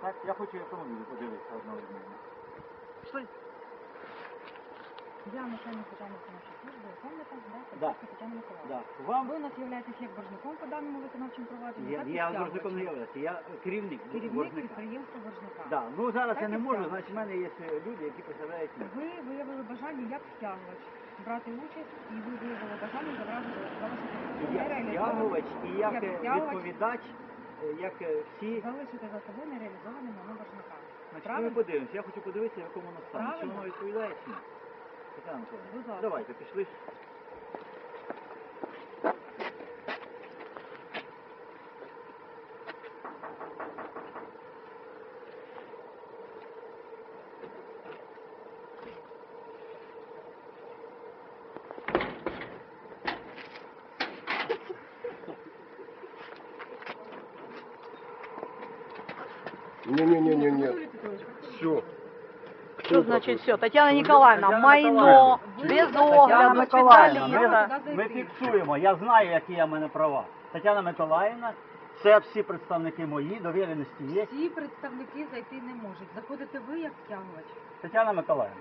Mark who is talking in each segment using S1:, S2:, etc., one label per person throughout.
S1: Так, я хочу автомобіль подивитися одновременно. Пішли?
S2: Я начальник державної виконавчої служби, виконуєте,
S1: Да.
S2: Тетяна Миколаївна.
S1: Да. Вам
S2: Ви у нас являєтесь як боржником по даному виконавчому провадженню, так і
S1: я
S2: стягувачем.
S1: боржником не являюся, я керівник
S2: Керівник
S1: боржника.
S2: підприємства боржника.
S1: Да. Ну зараз
S2: Так
S1: я не
S2: і
S1: можу,
S2: стягувач.
S1: значить в мене є люди, які представляють мене.
S2: Ви виявили бажання як стягувач брати участь, і ви виявили бажання забрати за вашу
S1: Я стягувач і як відповідач, як всі.
S2: залишити за собою нереалізованим майно боржника.
S1: Значить, ми
S2: Правильно?
S1: подивимося, я хочу подивитися, в якому воно стані. Чи
S2: Правильно.
S1: воно відповідає чи ні? Тетяна Миколаївна,
S2: Будь ласка.
S1: давайте, пішли.
S3: Не-не-не-не-не. Все.
S4: Що значить все? Тетяна Ніколаївна, майно, без огляду, спеціаліста.
S1: Ми фіксуємо, я знаю, які є в мене права. Тетяна Миколаївна, це всі представники мої, довіреності є.
S2: Всі представники зайти не можуть. Заходите ви як стягувач.
S1: Тетяна Миколаївна,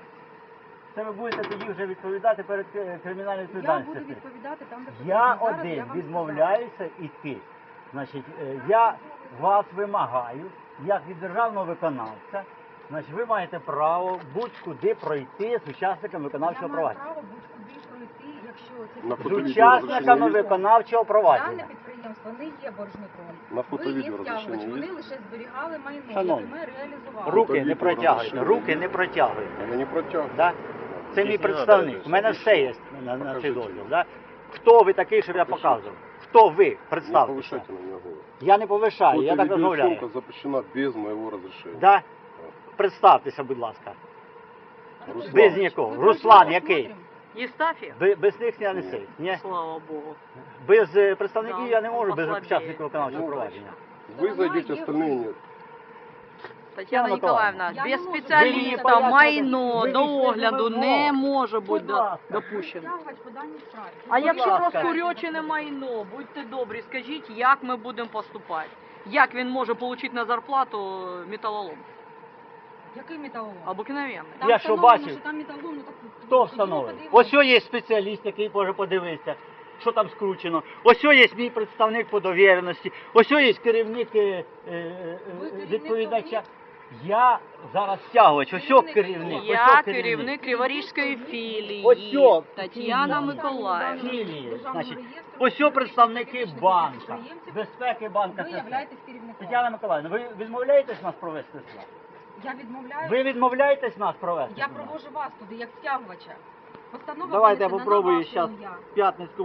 S1: це ви будете тоді вже відповідати перед кримінальною
S2: Я
S1: відповідальністю.
S2: буду відповідати там, де
S1: Я
S2: потрібно. Зараз
S1: один
S2: я вам
S1: відмовляюся йти. Значить, я вас вимагаю, як від державного виконавця, значить, ви маєте право будь-куди пройти з учасниками виконавчого
S2: Я маю
S1: провадження.
S2: право будь-куди пройти, якщо це
S3: На
S1: З
S3: фото-відео
S1: учасниками
S3: розрішення є?
S1: виконавчого
S2: Дане
S1: провадження.
S2: підприємство не є боржником.
S3: На
S2: Ви
S3: фото-відео
S2: є стягувач,
S3: розрішення
S2: вони
S3: є?
S2: лише зберігали майно,
S1: Шановні,
S2: яке ми реалізували.
S1: Руки не
S3: Фото-відео
S1: протягуйте,
S3: розрішення
S1: руки
S3: є?
S1: не протягуйте.
S3: Я не протягну.
S1: Да? Це мій представник, у мене все є на цей
S3: Покажіть.
S1: дозвіл. Да? Хто ви такий, щоб я показував? Хто ви?
S3: Не
S1: Представтеся.
S3: повышайте на меня голос.
S1: Я не повишаю, я так розмовляю.
S3: Фото-видеосъемка запрещена без моего разрешения.
S1: Да? Представтеся, будь ласка.
S3: Руслан.
S1: Без нікого. Руслан який?
S4: Єстафія?
S1: Без них я не цей. Ні?
S4: Слава Богу.
S1: Без представників
S4: Да,
S1: я не можу, без
S4: послабее.
S1: учасників виконавчого
S3: Ну,
S1: провадження.
S3: Вы зайдете, остальные нет.
S4: Тетяна Ніколаївна,
S2: Я не
S4: без
S2: можу.
S1: Ви
S4: спеціаліста
S1: мені
S4: майно
S1: пояснюєте,
S4: до
S1: ви вийшли
S4: огляду
S1: за
S4: не
S1: вимогу.
S4: може бути
S1: Будь ласка.
S4: допущено.
S2: Стягувач по даній справі.
S4: А якщо
S1: ласка.
S4: розкурьочене майно, будьте добрі, скажіть, як ми будемо поступати? Як він може отримати на зарплату металолом?
S2: Який металолом?
S4: Обикновенний.
S2: Там
S1: Я що
S2: встановлено,
S1: бачив?
S2: що там металолом, ну так
S1: Хто
S2: ідімо
S1: встановив?
S2: подивимося.
S1: Ось є спеціаліст, який може подивитися, що там скручено. Ось є мій представник по довіреності. Ось є керівник
S2: керівник
S1: відповідача.
S2: хто?
S1: Я зараз стягувач, ось
S2: Керівник
S1: керівник.
S2: хто?
S4: Я керівник Криворізької філії
S1: Ось
S4: Тетяна
S1: філії.
S4: Миколаївна.
S1: Філії,
S2: Державного
S1: значить,
S2: реєстру
S1: ось представники
S2: фізичних
S1: банка,
S2: підприємців.
S1: безпеки банка.
S2: Ви
S1: це все.
S2: являєтесь керівником.
S1: Тетяна Миколаївна, ви відмовляєтесь нас провести сюди?
S2: Я відмовляю.
S1: Ви відмовляєтесь нас провести?
S2: Я
S1: сюди?
S2: провожу вас туди як стягувача. Постанова
S1: Давайте я
S2: винесена на
S1: попробую
S2: ваше
S1: зараз
S2: ім'я.
S1: в П'ятницьку